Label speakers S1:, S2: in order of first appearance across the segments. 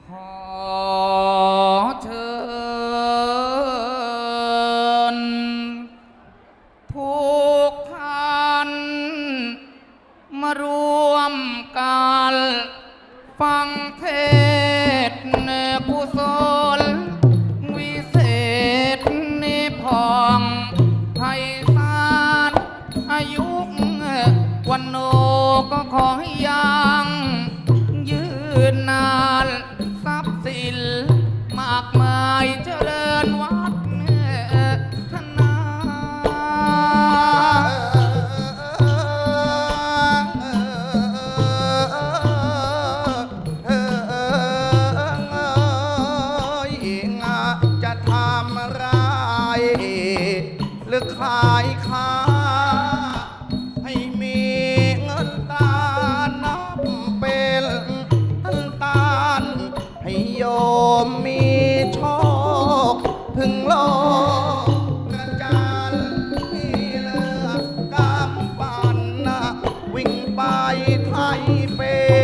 S1: ขอเชิญทุกท่านมารวมกันฟังเทศน์กุศลวิเศษนิพองไพศาลอายุวันโนก็ขอให้ยังยืนนานทรัพย์สินมากมายเจริญวัฒนา
S2: จะทำอะไรหรือขายค้าให้มีเงินตานับเป็นตานให้โยมมีโชคถึงโลกกระจานที่เลือกกำปั่นวิ่งไปไทยเป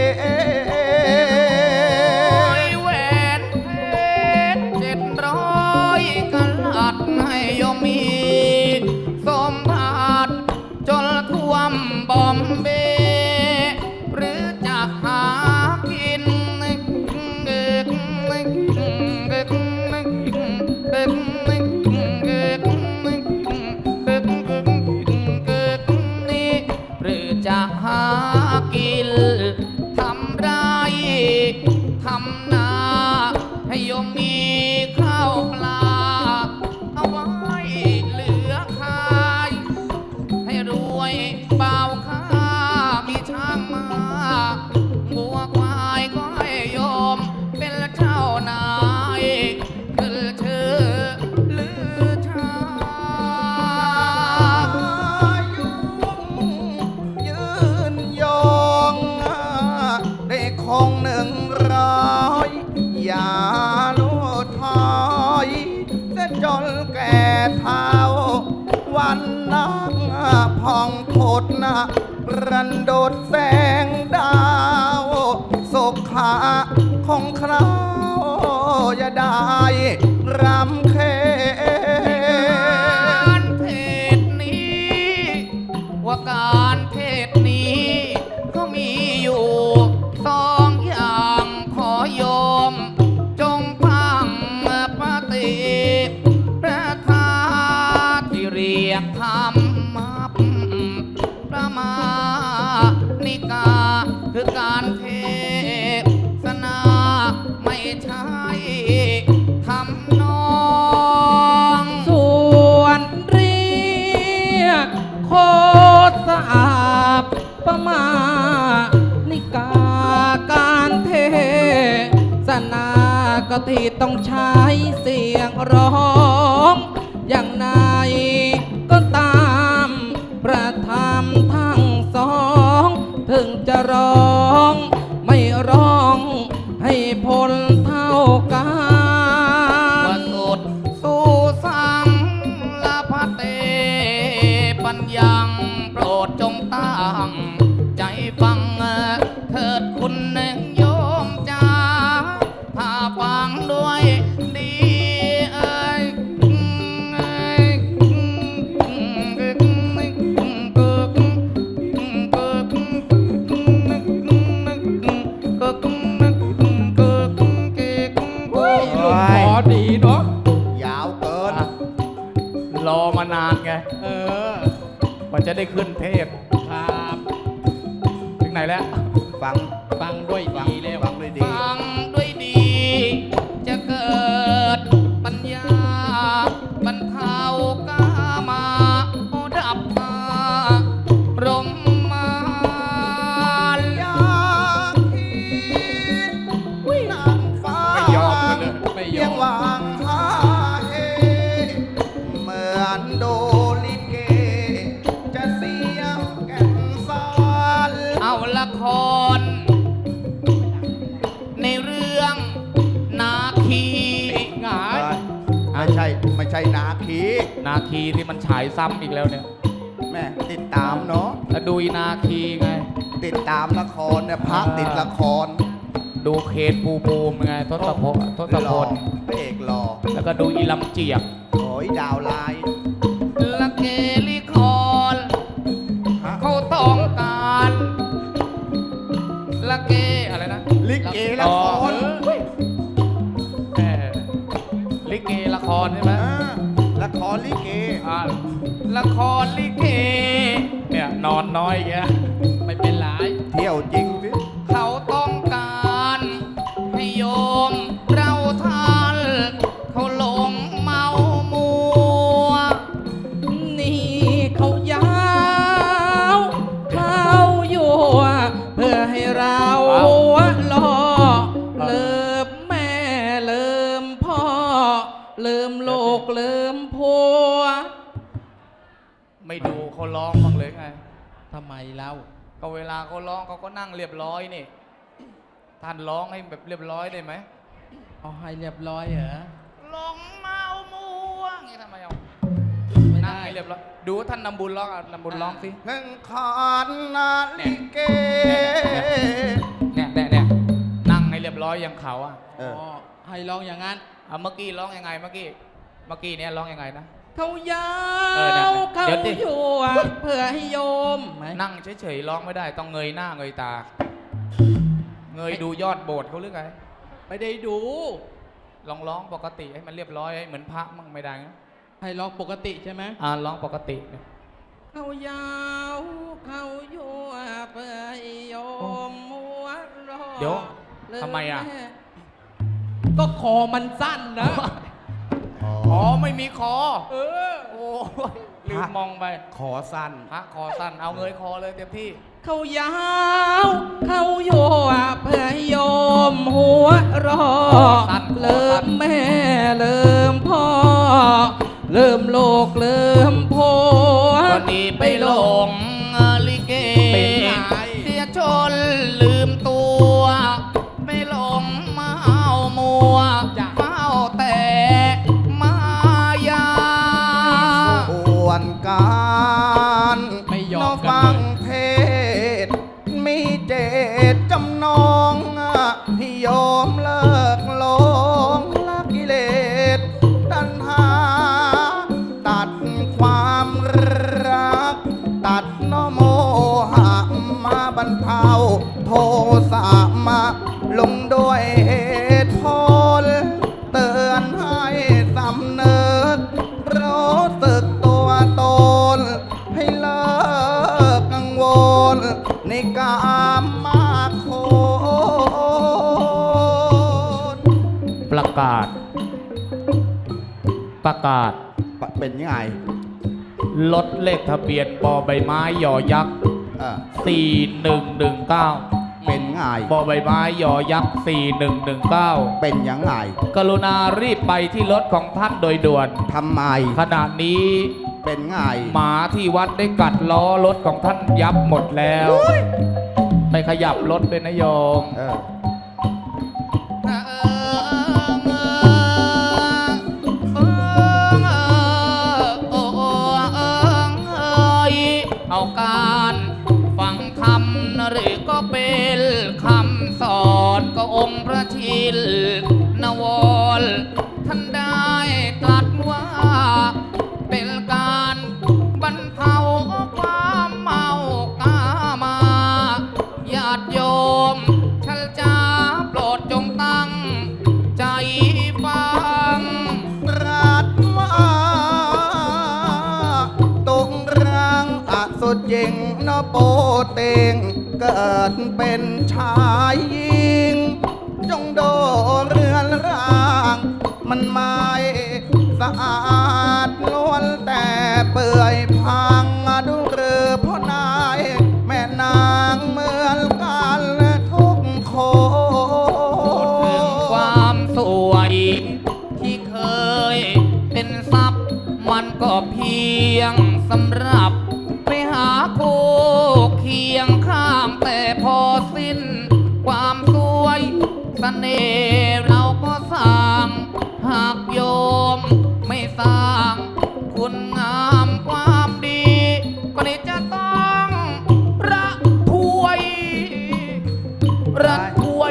S1: แหวนเพชร700กะลัดให้โยมมีสมบัติจนท่วมบอมเบย์หรือจะหากินนี่หรือจะหากินทำไรทำนาให้โยมมีข้าวปลาเอาไว้เหลือขายให้รวยเบาค่ามีช้างมาวัวควายก็ให้โยมเป็นเจ้านายขึ้นชื่อลือชา
S2: ยืนยองได้คง100อย่าลุถอยจะจนแก่เท้าวันนักผ่องผดรันโดดแสงดาวสุขาของคราวอย่าได้รำเค็
S1: การเทศนี้ว่าการเทศนี้ก็มีอยู่2อย่างขอโยมจงฟังปฏิพระคาที่เรียกธรรมะประมาณิกาคือการเทศนาไม่ใช่ทำนองส่วนเรียกโคตรสะอาบประมาณิกาการเทศนาก็ที่ต้องใช้เสียงร้องอย่างไหนก็ตามประธรรมทั้งสองถึงจะร้องไม่ร้องให้ผลเท่ากันสุดสู่สังละพะเตปัญญังโปรดจงตั้งใจฟังเถิดคุณโยมจ้าถ้าฟังด้วยดีเอ้ยขอดีเนาะ
S2: ยาวเกิน
S1: รอมานานไง กว่าจะได้ขึ้นเทพ
S3: ครับ
S1: ถึงไหนแล้ว
S2: ฟัง
S3: ฟังด้วยดีแล้ว
S2: ฟังด้วยดี
S1: ฟังด้วยดี จะเกิดปัญญาบรรเทากามาดับมารมมาร
S2: อยากคิดนางฟ้า
S1: ไม่ยอมกันเลยไม่ยอม
S2: ยังหวางหาเฮเหมือนดูลิเก จะเสียงแก่นสาร
S1: เอาละคร ในเรื่องนาคีหงาย
S2: ไม่ใช่นาคี
S1: นาคีที่มันฉายซ้ำอีกแล้วเนี่ย
S2: แม่ติดตามเนาะ
S1: แล้วดูอีนาคีไง
S2: ติดตามละครเนี่ยพระติดละคร
S1: ดูเคนภูมิภูมิไงทศพลทศพล
S2: พระเอกหล่อ
S1: แล้วก็ดูอีลำเจียก
S2: โอ้ยดาวลาย
S1: ละเกลิคอน
S2: ฮะ
S1: เขาต้องการละเกอะไรนะ
S2: ลิเกละคร
S1: เออลิเกละครใช่ไหม
S2: ละครลิเก
S1: อ่าละครลิเกเนี่ยนอนน้อยแกไม่เป็นไร
S2: เที่ยวจริงสิ
S1: เขาต้องการให้โยมเราทันเขาหลงเมามัว
S3: นี่เขายาวเขาอยู่เพื่อให้เราล่อเลิมแม่เลิมพ่อเลิมโลกเลิมผัว
S1: ไม่ดูเขาร้องบ้างเลยไง
S3: ทำไมเล่า
S1: ก็เวลาเขาร้องเขาก็นั่งเรียบร้อยนี่ ท่านร้องให้แบบเรียบร้อยได้ไหม
S3: เอาให้เรียบร้อยเหรอ
S1: หลงเมามัวอย่างงี้ทำไมเอา
S3: ไม่
S1: นั่ง
S3: ได้
S1: ให้เรียบร้อยดูท่านนำบุญร้องอ่ะนำบุญร้องสิ
S2: หนึ่งขอนนาลิเก
S1: เนี่ยนั่งให้เรียบร้อยอย่างเขาอ่ะ
S2: เออ
S3: อ๋อให้ร้องอย่างนั้น
S1: เอาเมื่อกี้ร้องยังไงเมื่อกี้เนี่ยร้องยังไงนะ
S3: เขายา
S1: เออนั่น
S3: ว
S1: น่ะ
S3: เขา
S1: เดี๋ยวสิ
S3: อยู่เพื่อให้โยมไหม
S1: นั่งเฉยๆร้องไม่ได้ต้องเงยหน้าเงยตา เงยดูยอดโบสถ์เขาหรือไง
S3: ไม่ได้ดู
S1: ลองร้องปกติให้มันเรียบร้อยให้เหมือนพระมั่งไม่ได้นะ
S3: ให้ร้องปกติใช่ไหม
S1: ร้องปกติเนี่ย
S3: เขายาวเขาอยู่เพื่อให้โยมมัวรอ
S1: เดี๋ยว
S3: เลิก
S1: ทำไมอ่ะ
S3: แก็คอมันสั้นนะ
S1: อ๋อไม่มีคอ
S3: เออ
S1: โอ้ยลืมมองไป
S2: ขอสั้น
S1: พระคอสั้นเอาเงยคอเลยเต็มที่
S3: เขายาวเขาอยู่เพื่อให้โยมหัวรอ
S1: สั้น
S3: เริ่มแม่เริ่มพ่อ เริ่มโลกเริ่มผัว
S1: ก็ดีไปหลงลิเก
S3: เป็นไง
S1: เสียจนลืมตัวไม่หลงเมามัว
S3: จ้ะ
S1: เมาแต่มายา
S2: ส่วนการ
S3: ไม่ยอม
S2: น้
S3: กันเลย
S2: ฟังเทศน์มีเจตจำนองให้โยมเลิกหลงละกิเลสตัณหา ตัดความรัก ตัดโนโมหะมาบรรเทาโทสะมาลงด้วยเหตุผล เตือนให้สำนึกรู้สึกตัวตน ให้เลิกกังวล ในกามมาโคตร
S1: ประกาศ
S2: เป็นยังไง
S1: รถเลขทะเบียนบอใบไม้ยอยักษ์
S2: เออ
S1: 4119
S2: เป็นไง
S1: บอใบไม้ยอยักษ์4119
S2: เป็นยังไง
S1: กรุณารีบไปที่รถของท่านโดยด่วน
S2: ทำไม
S1: ขณะนี้
S2: เป็นไง
S1: หมาที่วัดได้กัดล้อรถของท่านยับหมดแล้ว ไปขยับรถเป็นนายม
S2: เออ
S1: เอาการฟังธรรมหรือก็เป็นคำสอนก็องค์พระชินนวรท่านได้ตรัสว่า เป็นการบรรเทาความเมากามาญาติโยมชัลจาโปรดจงตั้งใจฟัง
S2: รัดว่าตกรังอสุจิงนโปเตงเกิดเป็นชายหญิง จงโดเรือนร่าง มันไม่สะอาดล้วนแต่เปื่อยพังดูหรือพ่อนายแม่นางเหมือนกันทุกค
S1: ถึง
S2: น
S1: ความสวยที่เคยเป็นทรัพย์มันก็เพียงสำหรับไปหาคู่เคียงข้างแต่พอสิ้นความสวยเสน่ห์เราก็สร้างหากโยมไม่สร้างคุณงามความดีก็นี่จะต้องระถวย ระถวย
S2: อี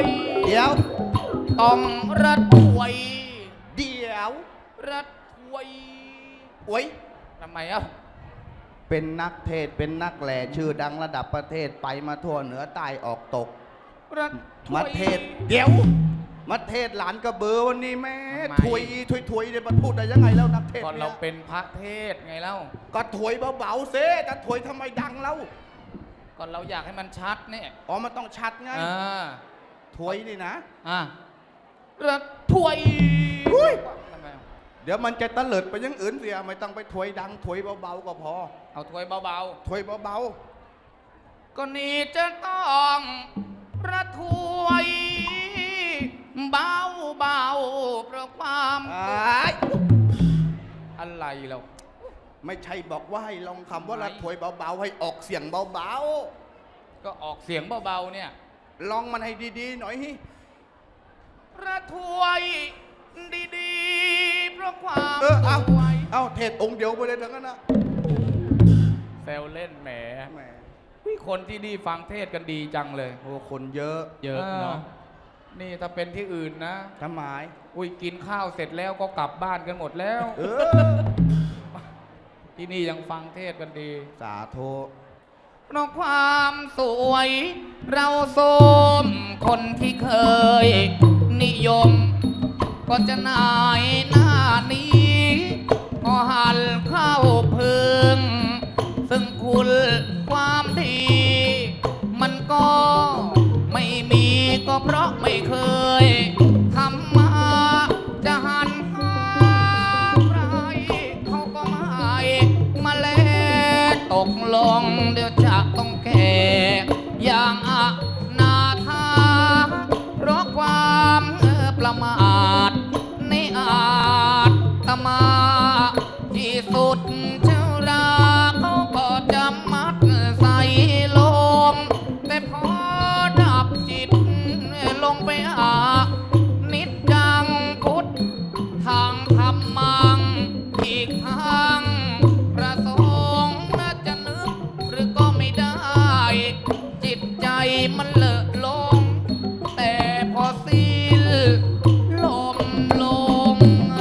S2: ดี๋ยว
S1: ต้องระถวย
S2: เดี๋ยว
S1: ระถวย
S2: โอ้ย
S1: ทำไมเอ้า
S2: เป็นนักเทศน์เป็นนักแหล่ชื่อดังระดับประเทศไปมาทั่วเหนือใต้ออกตก
S1: ระถวย
S2: มาเทศน์เดี๋ยว มาเทศน์หลานกระเบือวันนี้แม่
S1: ทำไม
S2: ถวยถวยเดี๋ยวมาพูดได้ยังไงแล้วนักเทศน์
S1: ก่อน
S2: เนี่
S1: เรา
S2: ย
S1: เป็นพระเทศไงเล่า
S2: ก็ถวยเบาๆเซแต่ถวยทำไมดังแล้ว
S1: ก่อนเราอยากให้มันชัดเนี่ย
S2: อ๋อมันต้องชัดไง
S1: อ่า
S2: ถวยนี่นะ
S1: ระถวย
S2: อุ้ย
S1: ทำไม
S2: เดี๋ยวมันจะตะเลิดไปอยังอื่นเสียไม่ต้องไปถวยดังถวยเบาๆก็พอ
S1: เอาถวยเบา
S2: ถวยเบา
S1: ๆก็นี่จะต้องระถวยเบาๆเพราะความ
S2: ๆอ้าย
S1: อะไรเรา
S2: ไม่ใช่บอกว่าให้ลองคำว่า
S1: ไม่
S2: ละถวยเบาๆให้ออกเสียงเบา
S1: ก็ออกเสียงเบาๆเนี่ย
S2: ๆลองมันให้ดีๆหน่อยฮิ
S1: ระถวยดีๆเพราะความ
S2: เอา
S1: สวย
S2: เอาเทศองค์เดียวไปเลยทั้งนั้นนะ
S1: แซวเล่นแหม
S2: แหม
S1: คนที่นี่ฟังเทศกันดีจังเลย
S2: โอ้คนเยอะ
S1: เยอะเนาะนี่ถ้าเป็นที่อื่นนะ
S2: ทำไม
S1: อุ้ยกินข้าวเสร็จแล้วก็กลับบ้านกันหมดแล้ว
S2: เออ
S1: ที่นี่ยังฟังเทศกันดี
S2: สาธุ
S1: เพราะความสวย เราสมคนที่เคย นิยม ก็จะนายหน้านี้ก็หันเข้าพึง ซึ่งคุณความดี มันก็ไม่มีก็เพราะไม่เคยทำมาจะหันหาใครเขาก็ไม่มาแลตกลงเดี๋ยวจะต้องแก่อย่างอนาถาเพราะความประมาทในอาตมาที่สุดเจ้าราเขาก็จะมัดใส่ลม แต่พอดับจิตลงไปหานิจจังพุทธทางธรรมังอีกทางพระสงฆ์น่าจะนึกหรือก็ไม่ได้ จิตใจมันเลอะลง แต่พอสิ้นลมลง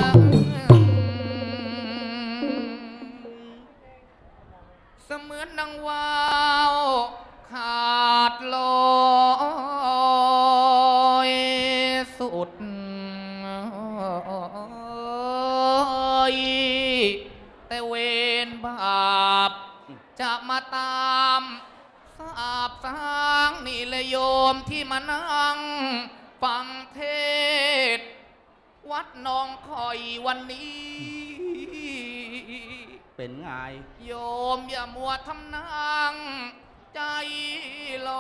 S1: เสมือนดังวาวขาดลอยสุดแต่เวรบาปจะมาตามสาบสางนี่เลยโยมที่มานั่งฟังเทศน์วัดหนองคอยวันนี้
S2: เป็นไง
S1: โยมอย่ามัวทำนางใจล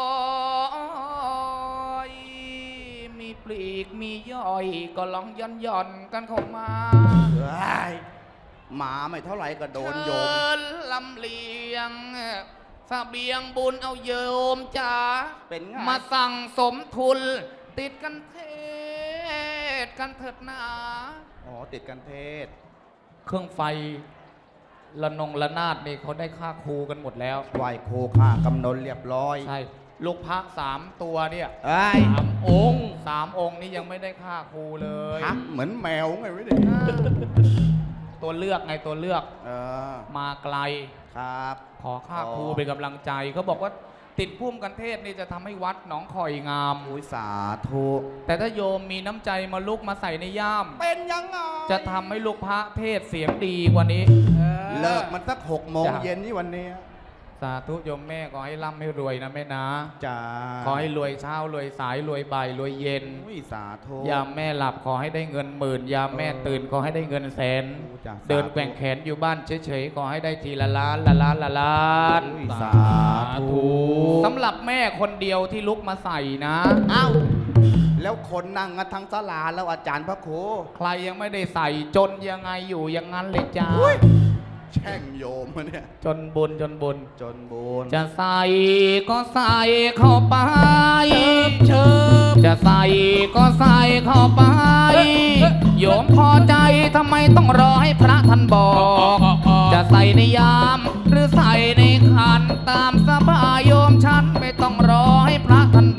S1: อยมีปลีกมีย่อยก็ลองย่อนกันเข้ามา
S2: เฮ้ยหมาไม่เท่าไหร่ก็โดนโยม
S1: เชิญลำเลียงเสบียงบุญเอาโยมจ๋า
S2: เป็นไง
S1: มาสั่งสมทุน ติดกันเทศกันเถิดนา
S2: อ๋อติดกันเทศ
S1: เครื่องไฟระนงระนาดนี่เขาได้ค่าครูกันหมดแล้ว
S2: ไหวโคค่ากำนนเรียบร้อย
S1: ใช่ ลูกพระ3 ตัวเนี่ย
S2: เอ้ย
S1: 3 องค์นี่ยังไม่ได้ค่าครูเลย
S2: ฮักเหมือนแมวไงวะเนี่ย
S1: ตัวเลือกไงตัวเลือก
S2: เออ
S1: มาไกล
S2: ครับ
S1: ขอค่าครู
S2: อ๋อ
S1: เป็นกำลังใจเขาบอกว่าติดพุ่มกันเทศนี่จะทำให้วัดหนองคอยงาม
S2: อุ้ยสาธุ
S1: แต่ถ้าโยมมีน้ำใจมาลุกมาใส่ในย่าม
S2: เป็นยังไง
S1: จะทำให้ลูกพระเทศเสียงดีกว่านี้
S2: เลิกมันสัก6 โมง
S1: จ้ะ
S2: เย็นนี่วันนี้
S1: สาธุโยมแม่ขอให้ร่ำให้รวยนะแม่นะ
S2: จ้า
S1: ขอให้รวยเช้ารวยสายรวยบ่ายรวยเย็น
S2: อุ้ยสาธุ
S1: ยามแม่หลับขอให้ได้เงินหมื่น ยามแม่ตื่นขอให้ได้เงินแสน
S2: โอ้จ้ะ
S1: เดิน
S2: สาธุ
S1: แกว่งแขนอยู่บ้านเฉยๆขอให้ได้ทีละล้านละล้านละล้าน
S2: อุ้ยสาธุ
S1: สำหรับแม่คนเดียวที่ลุกมาใส่นะ
S2: เอ้าแล้วคนนั่งกันทั้งศาลาแล้วอาจารย์พระครู
S1: ใครยังไม่ได้ใส่จนยังไงอยู่อย่างนั้นเลยจ้า
S2: แช่งโยมมาเนี่ย
S1: จนบุญจนบุญ
S2: จนบุญ
S1: จะใส่ก็ใส่เข้าไปเชิบจะใส่ก็ใส่เข้าไปโยมพอใจทำไมต้องรอให้พระท่านบอก จะใส่ในยามหรือใส่ในขันตามสบายโยมฉันไม่ต้องรอให้พระท่านบ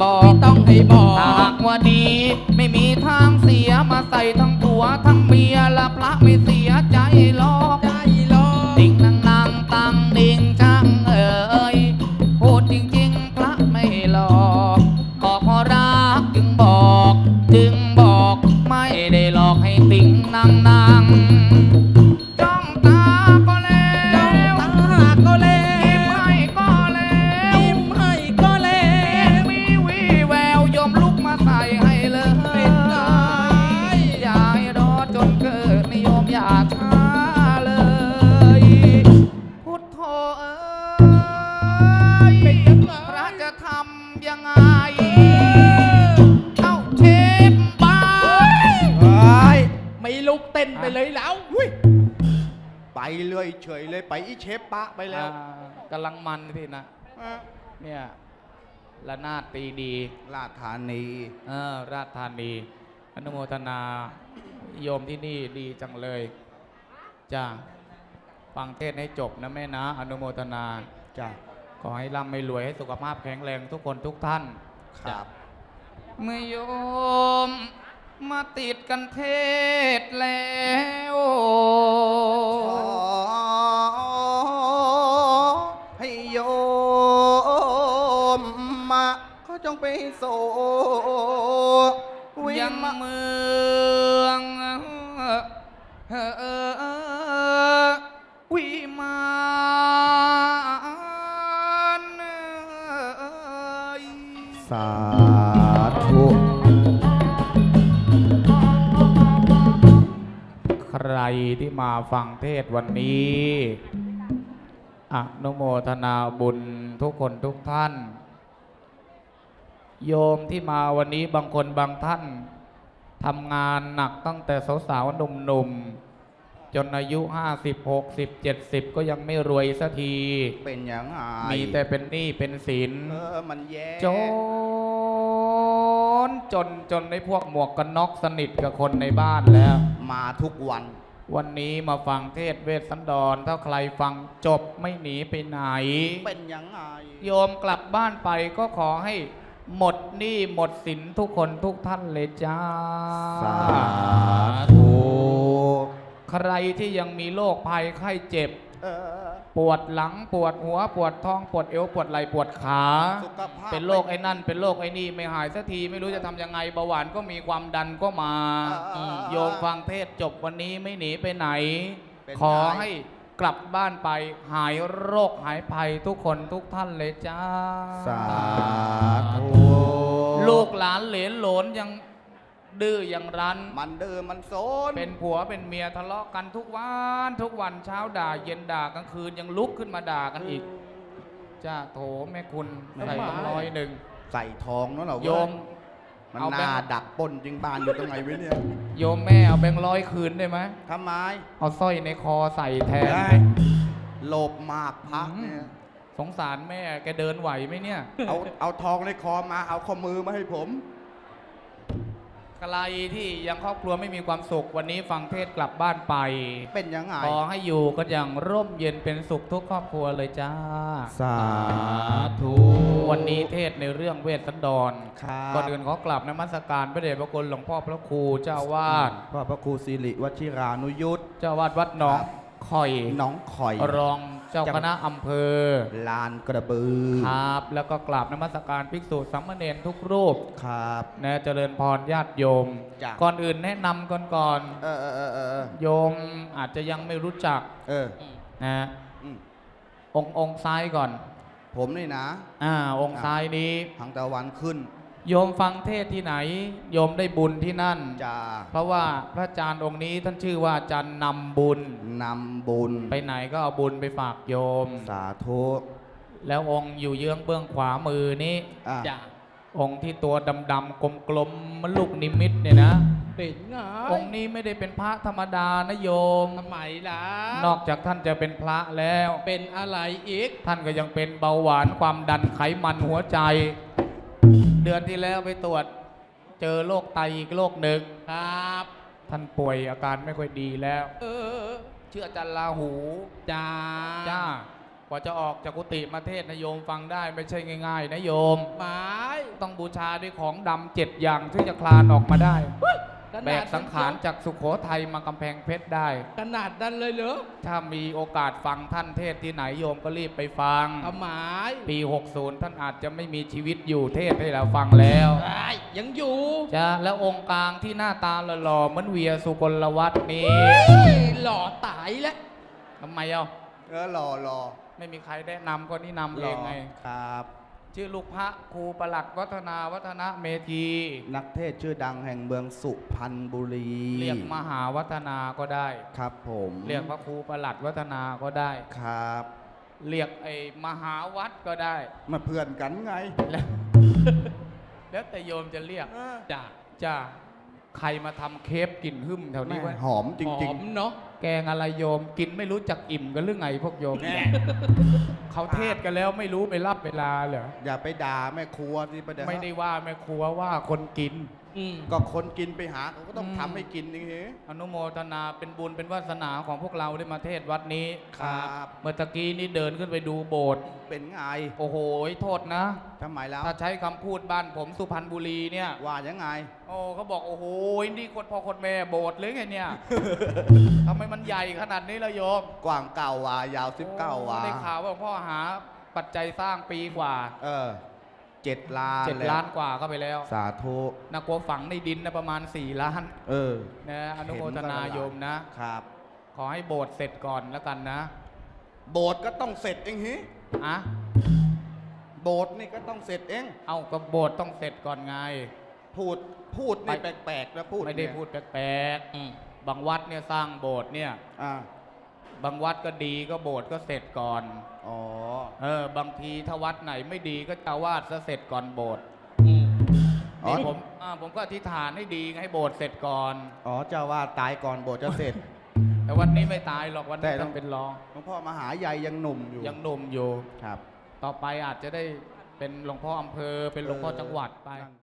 S1: บอก
S3: ไม่ต้องให้บอก
S1: ถ้าหากว่าดีไม่มีทางเสียมาใส่ทั้งผัวทั้งเมียและพระไม่เสียใจหรอก
S3: ใจรอ
S1: ดิ่งนางนางตังดิ่งช่างเอ่ยพูดจริงๆพระไม่หลอกก็เพราะรักจึงบอกไม่ได้หลอกให้ติ่งนางนางจ้องตาก็แล้
S3: จ้อง
S1: ว
S3: ตาก็แล้
S1: ยิ้ม
S3: ว
S1: ให้ก็แล้ว
S3: ยิ้มให้ก็แล้ว
S1: มีวี่แววยมลุกมาใส่ให้เลย
S3: เป็นไง
S1: อย่าให้รอจนเกิดนิยมอยากช้าเลย พุทโธเอ้ย
S3: เป็นยังไง
S1: พระจะทำยังไง เอ้าเชฟบ้า
S2: เฮ้ย
S3: ไม่ลุกเต้นไปเลยแล้ว
S2: ไปเลยเฉยเลยไปอีเชฟปะไปแล้ว
S1: กำลังมันพี่นะ เนี่ยระนาดตีดี
S2: ราชธานี
S1: ราชธานีอนุโมทนาโยมที่นี่ดีจังเลยจ้าฟังเทศน์ให้จบนะแม่นะ อนุโมทนา
S2: จ้ะ
S1: ขอให้ร่ำให้รวยให้สุขภาพแข็งแรงทุกคนทุกท่าน
S2: ครับ
S1: เมื่อโยมมาติดกันเทศน์แล้ว
S2: ขอให้โยมมาเขาจงไปโสวิ
S1: ยัง
S2: มา
S1: เมืองวิมาน
S2: สาธุ
S1: ใครที่มาฟังเทศน์วันนี้อนุโมทนาบุญทุกคนทุกท่าน โยมที่มาวันนี้บางคนบางท่านทำงานหนักตั้งแต่สาวๆหนุ่มๆจนอายุ50 60 70ก็ยังไม่รวยสักที
S2: เป็นอย่างไร
S1: มีแต่เป็นหนี้เป็นสิน
S2: มันแย่
S1: จนในพวกหมวกกันน็อกสนิทกับคนในบ้านแล้ว
S2: มาทุกวัน
S1: วันนี้มาฟังเทศน์เวสสันดรถ้าใครฟังจบไม่หนีไปไหน
S2: เป็นอย่างไร
S1: โยมกลับบ้านไปก็ขอให้หมดหนี้หมดสินทุกคนทุกท่านเลยจ้า
S2: สาธุ
S1: ใครที่ยังมีโรคภัยไข้เจ็บ
S2: เออ
S1: ปวดหลังปวดหัวปวดท้องปวดเอวปวดไหล่ปวดขา
S2: สุขภาพ
S1: เป็นโรคไอ้นั่นเป็นโรคไอ้นี่ไม่หายสักทีไม่รู้จะทำยังไงเบาหวานก็มีความดันก็มาโยมฟังเทศน์จบวันนี้ไม่หนีไปไหน
S2: เป็น
S1: ขอให้กลับบ้านไปหายโรคหายภัยทุกคนทุกท่านเลยจ้า
S2: สาธุ
S1: ลูกหลานเหลนโหลนยังดื้อยังรั้น
S2: มันเดิมมันโซน
S1: เป็นผัวเป็นเมียทะเลาะกันทุกวันเช้าด่าเย็นด่ากลางคืนยังลุกขึ้นมาด่ากันอีก จ้าโถแม่คุณใส่ต้อง100
S2: ใส่ทองเนาะเรา
S1: โยม
S2: มัน
S1: เอา
S2: ห
S1: แบง
S2: น้า
S1: ค์
S2: ดักปล้นจริงบานอยู่ตรงไหนไว้เนี่ย
S1: โยมแม่เอาแบงค์100คืนได้ไหม
S2: ทำไม
S1: เอาสร้อยในคอใส่แทน
S2: ได้โลภมากพระเนี่ย
S1: สงสารแม่แกเดินไหวไหมเนี่ย
S2: เอาทองในคอมาเอาข้อมือมาให้ผม
S1: ใครที่ยังครอบครัวไม่มีความสุขวันนี้ฟังเทศน์กลับบ้านไป
S2: เป็นยังไง
S1: ขอให้อยู่กันอย่างร่มเย็นเป็นสุขทุกครอบครัวเลยจ้า
S2: สาธุ
S1: วันนี้เทศน์ในเรื่องเวสสันดร
S2: ครับ
S1: ก่อนอื่นขอกราบนมัสการพระเดชพระคุณหลวงพ่อพระครูเจ้าอาวาส
S2: พ่อพระครูสิริวชิรานุยุทธ
S1: เจ้าอาวาสวัดหนอง
S2: ครับ
S1: ข่อย
S2: น้องข่อย
S1: รองเจ้าคณะอำเภอ
S2: ลานกระบือ
S1: ครับ แล้วก็กราบนมัสการภิกษุสามเณรทุกรูป
S2: ครับ
S1: นะเจริญพรญาติโยม
S2: จ้ะ
S1: ก่อนอื่นแนะนำก่อน
S2: เออ
S1: โยมอาจจะยังไม่รู้จัก
S2: เออ
S1: นะ
S2: อืม
S1: องค์ซ้ายก่อน
S2: ผมนี่นะ
S1: องค์ซ้ายนี้
S2: ทางตะวันขึ้น
S1: โยมฟังเทศน์ที่ไหน โยมได้บุญที่นั่น
S2: จะ
S1: เพราะว่าพระอาจารย์องค์นี้ท่านชื่อว่าอาจารย์นำบุญ
S2: นำบุญ
S1: ไปไหนก็เอาบุญไปฝากโยม
S2: สาธุ
S1: แล้วองค์อยู่เยื้องเบื้องขวามือนี้
S2: อ่ะ
S3: จ้ะ
S1: องค์ที่ตัวดำๆกลมๆมันลูกนิมิตเนี่ยนะ
S3: เป็นไง
S1: องค์นี้ไม่ได้เป็นพระธรรมดานะโยม
S3: ทำไมล่ะ
S1: นอกจากท่านจะเป็นพระแล้ว
S3: เป็นอะไรอีก
S1: ท่านก็ยังเป็นเบาหวานความดันไขมันหัวใจ เดือนที่แล้วไปตรวจเจอโรคไตอีกโรคหนึ่ง
S3: ครับ
S1: ท่านป่วยอาการไม่ค่อยดีแล้ว
S3: เออ
S1: เชื่ออาจารย์ลาหู
S3: จ้า
S1: จ้าว่าจะออกจากกุฏิมาเทศน์นะโยมฟังได้ไม่ใช่ง่ายๆนะโยม
S3: หมาย
S1: ต้องบูชาด้วยของดำ7 อย่างถึงจะคลานออกมาได้ แบกสังขารจากสุโขทัยมากำแพงเพชรได้
S3: ขนาดนั้นเลยเหรอ
S1: ถ้ามีโอกาสฟังท่านเทศน์ที่ไหนโยมก็รีบไปฟัง
S3: เอาหมาย
S1: ปี 60 ท่านอาจจะไม่มีชีวิตอยู่เทศน์ให้เราฟังแล้ว
S3: ไอ้ยังอยู่
S1: จ้ะแล้วองค์กลางที่หน้าตาหล่อๆเหมือนเวียสุกลวัฒน์นี่
S3: หล่อตายแล้ว
S1: ทำไมเอ้า
S2: หล่อ
S1: ไม่มีใครแนะนำก็นี่นำ
S2: ห
S1: เอ
S2: ล่อง
S1: ไง
S2: ครับ
S1: ชื่อลูกพระครูประหลัดวัฒนาวัฒนะเมธี
S2: นักเทศชื่อดังแห่งเมืองสุพรรณบุรี
S1: เรียกมหาวัฒนาก็ได้
S2: ครับผม
S1: เรียกพระครูประหลัดวัฒนาก็ได้
S2: ครับ
S1: เรียกไอ้มหาวัดก็ได้
S2: มาเพื่อนกันไง
S1: แล้วแล้วแต่โยมจะเรียก
S3: จ้ะ
S1: จ้าใครมาทำเคปกลิ่นหึ่มแถวนี้ไว้
S2: หอมจริง
S3: หอมเนาะ
S1: แกงอะไรโยมกินไม่รู้จักอิ่มกันหรือไงพวกโยมเขาเทศกันแล้วไม่รู้ไปรับเวลาเหรอ
S2: ๆ อย่าไปด่าแม่ครัวที่ประเดี๋ยว
S1: ไม่ได้ว่าแม่ครัวว่าคนกิน
S2: ก็คนกินไปหาเขาก็ต้องทำให้กินนี่เหรอ
S1: อนุโมทนาเป็นบุญเป็นวาสนาของพวกเราได้มาเทศวัดนี้
S2: ครับ
S1: เมื่อตะกี้นี่เดินขึ้นไปดูโบสถ์
S2: เป็นไง
S1: โอ้โหโทษนะ
S2: ทำไมแล้ว
S1: ถ้าใช้คำพูดบ้านผมสุพรรณบุรีเนี่ย
S2: ว่ายังไง
S1: โอ้เขาบอกโอ้โหนี่คนพ่อคนแม่โบสถ์เลยไงเนี่ย ทำไมมันใหญ่ขนาดนี้ละโยม
S2: กว้างเก่าวายาว19วา
S1: ได้ข่าวว่าพ่อหาปัจจัยสร้างปีกว่า
S2: 7 ล้าน
S1: 7 ล้านกว่าเข้าไปแล้ว
S2: สาธุ
S1: นักกลัวฝังในดินนะประมาณ4 ล้าน
S2: เออ
S1: นะอนุโมทนาโยมนะ
S2: ครับ
S1: ขอให้โบสถ์เสร็จก่อนแล้วกันนะ
S2: โบสถ์ก็ต้องเสร็จเองฮิ
S1: อะ
S2: โบสถ์นี่ก็ต้องเสร็จเอง
S1: เอาก็โบสถ์ต้องเสร็จก่อนไง
S2: พูดนี่แปลกๆนะพูด
S1: ไม่ได้
S2: เนี่ย
S1: พูดแปลกๆบางวัดเนี่ยสร้างโบสถ์เนี่ย
S2: อ่า
S1: บางวัดก็ดีก็โบสถ์ก็เสร็จก่อน
S2: อ๋อ
S1: บางทีถ้าวัดไหนไม่ดีก็เจ้าวาดซะเสร็จก่อนโบสถ์
S2: อ๋อ
S1: นี่ผมก็อธิษฐานให้ดีให้โบสถ์เสร็จก่อน
S2: อ๋อเจ้าว่าตายก่อนโบสถ์จะเสร็จ
S1: แต่วันนี้ไม่ตายหรอกวัน
S2: แต่
S1: นี้
S2: ต้
S1: ต้
S2: อ
S1: อง งเป็นรอง
S2: หลวงพ่อมหาใหญ่ยังหนุ่มอยู่
S1: ยังหนุ่มอยู่
S2: ครับ
S1: ต่อไปอาจจะได้เป็นหลวงพ่ออำเภอเป็นหลวงพ่อจังหวัดไป